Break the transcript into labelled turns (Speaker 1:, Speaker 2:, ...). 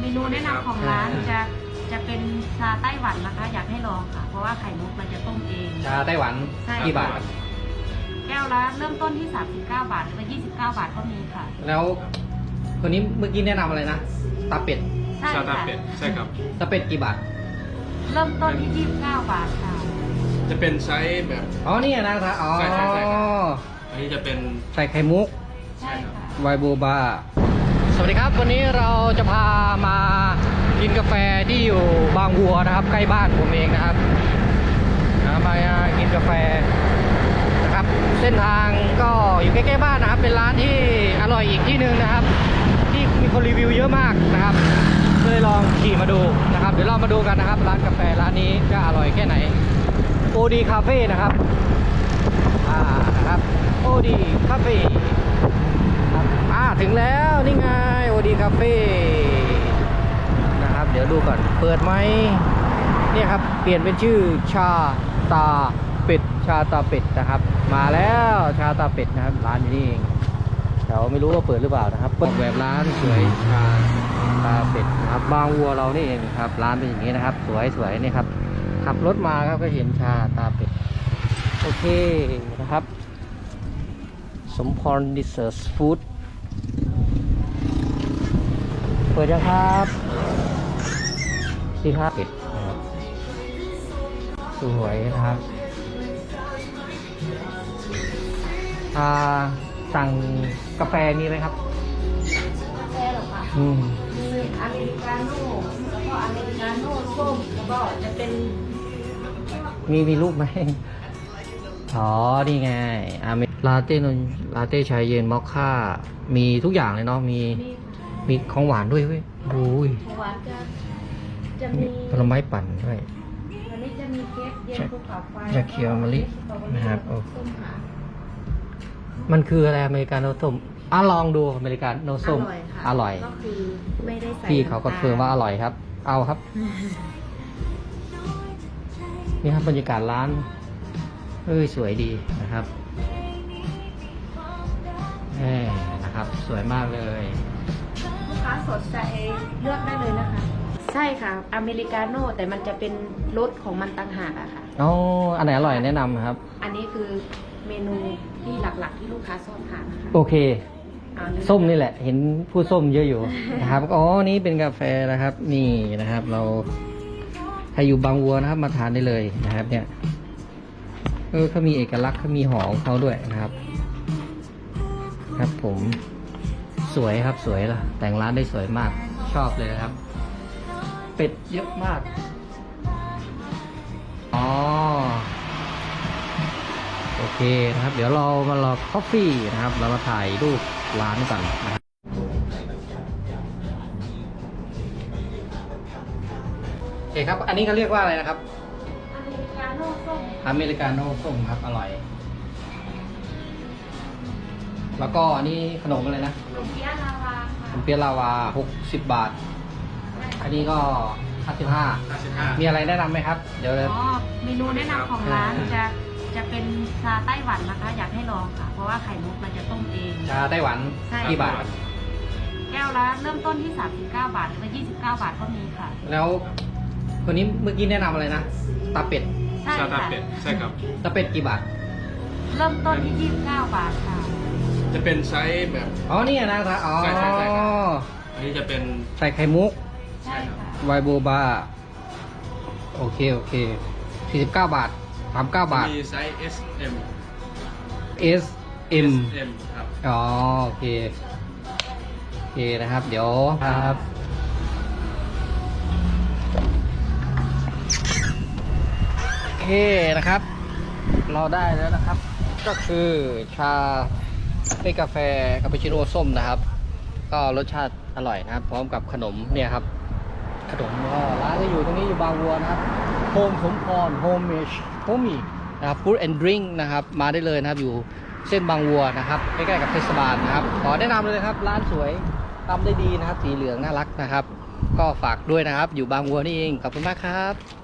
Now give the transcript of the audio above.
Speaker 1: เมนูแนะนำของร้านจะเป็นชาไต้หวันนะคะ อยากให้ลองค่ะ เพราะว่าไข่มุกเราจะต้มเอง
Speaker 2: ชาไต้หวัน
Speaker 1: ใช่
Speaker 2: กี่บาท
Speaker 1: แก้วละเริ่มต้นที่39 บาทหรือว่า29 บาทก็มีค่ะ
Speaker 2: แล้วคนนี้เมื่อกี้แนะนำอะไรนะตาเป็ด
Speaker 1: ใช่
Speaker 3: ชาตา
Speaker 1: ค่ะ
Speaker 3: เป็ดใช่ครับ
Speaker 2: ตาเป็ดกี่บาท
Speaker 1: เริ่มต้นที่29 บาทค่ะ
Speaker 3: จะเป็นไซส์แบบ
Speaker 2: อ๋อนี่นะครับอ๋อ
Speaker 3: ใช่ครับอันนี้จะเป็น
Speaker 2: ใส่ไข่มุก
Speaker 1: ใช่ค่ะ
Speaker 2: ไวโบบาสวัสดีครับวันนี้เราจะพามากินกาแฟที่อยู่บางวัวนะครับใกล้บ้านผมเองนะครับมากินกาแฟนะครับเส้นทางก็อยู่ใกล้ๆบ้านนะครับเป็นร้านที่อร่อยอีกที่หนึ่งนะครับที่มีคนรีวิวเยอะมากนะครับเลยลองขี่มาดูนะครับเดี๋ยวเรามาดูกันนะครับร้านกาแฟร้านนี้จะอร่อยแค่ไหนโอดีคาเฟ่นะครับนะครับโอดีคาเฟ่ถึงแล้วนี่ไงโอดีคาเฟ่นะครับเดี๋ยวดูก่อนเปิดไหมเนี่ยครับเปลี่ยนเป็นชื่อชาตาเป็ดชาตาเป็ดนะครับมาแล้วชาตาเป็ดนะครับร้านนี้เองเดี๋ยวไม่รู้ว่าเปิดหรือเปล่านะครับเปิดแบบร้านสวยชาตาเป็ดนะครับบางวัวเรานี่เองครับร้านเป็นอย่างนี้นะครับสวยๆนี่ครับขับรถมาครับก็เห็นชาตาเป็ดโอเคนะครับสมพรดิเซอร์สฟู้ดเปิดยังครับสิครับปิดนะครับสวยนะครับสั่งกาแฟมีไหมครับ
Speaker 1: กาแฟเหรอคะ
Speaker 2: มี
Speaker 1: อเมริกาโน่แล้วก็อเมริกาโน่ส้มแล้วก็จะเป็น
Speaker 2: มีรูปไหมอ๋อนี่ไงลาเต้นลาเต้ชายเย็นมอคค่ามีทุกอย่างเลยเนาะมีของหวานด้วยเว้ยโอ้ย
Speaker 1: ของหวานจะมี
Speaker 2: ผลไม้ปั่นด้วย
Speaker 1: อันนี้จะมีเค้กเย็นภูเขาไฟ
Speaker 2: ชาเขียวมะลินะครับ
Speaker 1: ส้มค่ะ
Speaker 2: มันคืออะไรอเมริกาโน่ส้มลองดูอเมริกาโน่ส้ม
Speaker 1: อร่อยค่ะ
Speaker 2: อร่อย
Speaker 1: ก็คือไม่ได้ใส่
Speaker 2: พี่เขาก็เฟิร์มว่าอร่อยครับ เอาครับ นี่ครับบรรยากาศร้านสวยดีนะครับนะครับสวยมากเลย
Speaker 1: ลูกค้าสดจะเลือกได้เลยนะคะ ใช่ค่ะ อเมริกาโน่แต่มันจะเป็นรสของมันต่างหากอะค่ะ
Speaker 2: อ๋ออันไหนอร่อยแนะนำครับ
Speaker 1: อันนี้คือเมนูที่หลักๆที่ลูกค้าชอบทานนะคะ
Speaker 2: โอเค
Speaker 1: เอาเลย
Speaker 2: ส้มนี่แหละ เห็นผู้ส้มเยอะอยู่ นะครับ อ๋อ นี่เป็นกาแฟนะครับ นี่นะครับ เราใครอยู่บางวัวนะครับ มาทานได้เลยนะครับ เนี่ยเขามีเอกลักษณ์เขามีหอของเขาด้วยนะครับ ครับผมสวยครับสวยละแต่งร้านได้สวยมากชอบเลยนะครับ เป็ดเยอะมากอ๋อโอเคนะครับ เดี๋ยวเรามารอคอฟฟี่นะครับ เรามาถ่ายรูปร้านกันนะครับโอเคครับ อันนี้เขาเรียกว่าอะไรนะครับ
Speaker 1: อเมริกาโน่ส้ม
Speaker 2: อเมริกาโน่ส้มครับอร่อย แล้วก็อันนี้ขนมอะไรนะ
Speaker 1: ขนมเปี๊ยะลาวา
Speaker 2: ข
Speaker 1: ค่ะ
Speaker 2: นมเปี๊ยะลาวา60 บาท อันนี้ก็55
Speaker 3: 55
Speaker 2: มีอะไรแนะนำไหมครับ เดี๋ยว
Speaker 1: อ๋อเมนูแนะนำของร้านจะเป็นชาไต้หวันนะคะ อยากให้ลองค่ะ เพราะว่าไข่มุกเราจะต้มเอง
Speaker 2: ชาไต้หวัน
Speaker 1: ใช่
Speaker 2: กี่บาท
Speaker 1: แก้วละเริ่มต้นที่39 บาทหรือว่า29 บาทก็มีค่ะ
Speaker 2: แล้วคนนี้เมื่อกี้แนะนำอะไรนะตาเป็ด
Speaker 1: ใช่
Speaker 3: ชาตา
Speaker 1: ค่ะ
Speaker 3: เป็ดใช่ครับ
Speaker 2: ตาเป็ดกี่บาท
Speaker 1: เริ่มต้นที่29 บาทค่ะ
Speaker 3: จะเป็นไซส์แบบ
Speaker 2: อ๋อนี่นะครับอ๋อ
Speaker 3: ใช่ครับอันนี้จะเป็น
Speaker 2: ใส่ไข่มุก
Speaker 1: ใช่ค่ะ
Speaker 2: ไวโบบาโอเค49 บาท39 บาท
Speaker 3: มีไซส์ S M
Speaker 2: S M
Speaker 3: M ครับ
Speaker 2: อ๋อโอเคนะครับ เดี๋ยวครับโอเคนะครับ เราได้แล้วนะครับ ก็คือชาเป็นกาแฟคาปูชิโน่ส้มนะครับ ก็รสชาติอร่อยนะครับ พร้อมกับขนมเนี่ยครับ ขนมก็ร้านจะอยู่ตรงนี้อยู่บางวัวนะครับโฮมสมพรโฮมเมชโฮมี่นะครับฟู้ดแอนด์ดริงก์นะครับมาได้เลยนะครับอยู่เส้นบางวัวนะครับใกล้ๆกับเทศบาลนะครับขอแนะนำเลยนะครับร้านสวยทำได้ดีนะครับสีเหลืองน่ารักนะครับ ก็ฝากด้วยนะครับอยู่บางวัวนี่เองขอบคุณมากครับ